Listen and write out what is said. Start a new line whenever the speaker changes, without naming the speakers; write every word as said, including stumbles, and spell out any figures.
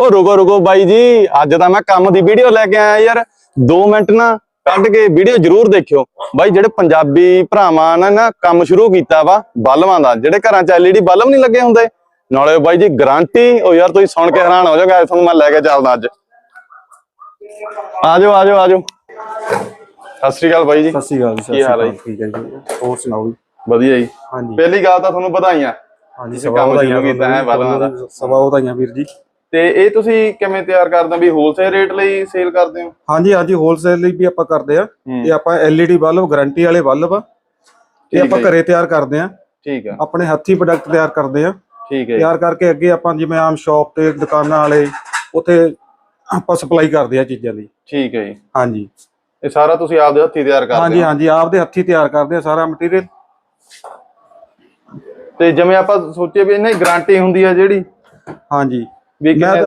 ਉਹ ਰੁਕੋ ਰੁਕੋ ਬਾਈ ਜੀ, ਅੱਜ ਤਾਂ ਮੈਂ ਕੰਮ ਦੀ ਵੀਡੀਓ ਲੈ ਕੇ ਆਇਆ ਯਾਰ। ਦੋ ਮਿੰਟ ਨਾ ਕੱਢ ਕੇ ਵੀਡੀਓ ਜ਼ਰੂਰ ਦੇਖਿਓ ਬਾਈ। ਜਿਹੜੇ ਪੰਜਾਬੀ ਭਰਾਵਾਂ ਨੇ ਨਾ ਕੰਮ ਸ਼ੁਰੂ ਕੀਤਾ ਵਾ ਬਲਬਾਂ ਦਾ, ਜਿਹੜੇ ਘਰਾਂ ਚ ਐਲਈਡੀ ਬਲਬ ਨਹੀਂ ਲੱਗੇ ਹੁੰਦੇ, ਨਾਲੇ ਬਾਈ ਜੀ ਗਾਰੰਟੀ। ਉਹ ਯਾਰ ਤੁਸੀਂ ਸੁਣ ਕੇ ਹੈਰਾਨ ਹੋ ਜਾਓਗੇ, ਤੁਹਾਨੂੰ ਮੈਂ ਲੈ ਕੇ ਚੱਲਦਾ ਅੱਜ। ਆ ਜਾਓ ਆ ਜਾਓ ਆ ਜਾਓ। ਸਤਿ ਸ੍ਰੀ ਅਕਾਲ ਬਾਈ ਜੀ।
ਸਤਿ ਸ੍ਰੀ ਅਕਾਲ ਜੀ।
ਕੀ ਹਾਲ ਹੈ ਜੀ?
ਠੀਕ ਹੈ ਜੀ, ਹੋਰ ਸੁਣਾਓ ਜੀ?
ਵਧੀਆ ਜੀ।
ਹਾਂਜੀ
ਪਹਿਲੀ ਗੱਲ ਤਾਂ ਤੁਹਾਨੂੰ ਵਧਾਈਆਂ।
ਹਾਂਜੀ,
ਤੁਸੀਂ ਕੰਮ ਸ਼ੁਰੂ ਕੀਤਾ ਹੈ ਬਲਬਾਂ ਦਾ।
ਸਵਾ ਵਧਾਈਆਂ ਵੀਰ ਜੀ।
ਤੇ ਇਹ ਤੁਸੀਂ ਕਿਵੇਂ ਤਿਆਰ ਕਰਦੇ ਹੋ ਵੀ ਹੋਲਸੇਲ ਰੇਟ ਲਈ ਸੇਲ ਕਰਦੇ ਹੋ?
ਹਾਂਜੀ ਹਾਂਜੀ, ਹੋਲਸੇਲ ਲਈ ਵੀ ਆਪਾਂ ਕਰਦੇ ਆ। ਇਹ ਆਪਾਂ ਐਲਈਡੀ ਬਲਬ ਗਾਰੰਟੀ ਵਾਲੇ ਬਲਬ ਆ, ਇਹ ਆਪਾਂ ਘਰੇ ਤਿਆਰ ਕਰਦੇ ਆ।
ਠੀਕ ਹੈ।
ਆਪਣੇ ਹੱਥੀ ਪ੍ਰੋਡਕਟ ਤਿਆਰ ਕਰਦੇ ਆ।
ਠੀਕ ਹੈ।
ਤਿਆਰ ਕਰਕੇ ਅੱਗੇ ਆਪਾਂ ਜਿਵੇਂ ਆਮ ਸ਼ਾਪ ਤੇ ਦੁਕਾਨਾਂ ਵਾਲੇ ਉੱਥੇ ਆਪਾਂ ਸਪਲਾਈ ਕਰਦੇ ਆ ਚੀਜ਼ਾਂ ਦੀ।
ਠੀਕ ਹੈ ਜੀ।
ਹਾਂਜੀ,
ਇਹ ਸਾਰਾ ਤੁਸੀਂ ਆਪਦੇ ਹੱਥੀ ਤਿਆਰ ਕਰਦੇ ਹੋ?
ਹਾਂਜੀ ਹਾਂਜੀ, ਆਪਦੇ ਹੱਥੀ ਤਿਆਰ ਕਰਦੇ ਆ ਸਾਰਾ ਮਟੀਰੀਅਲ।
ਤੇ ਜਿਵੇਂ ਆਪਾਂ ਸੋਚੀਏ ਵੀ ਇਹਨਾਂ ਦੀ ਗਾਰੰਟੀ ਹੁੰਦੀ ਆ ਜਿਹੜੀ,
ਹਾਂਜੀ
ਵੀ ਕਿੰਨੇ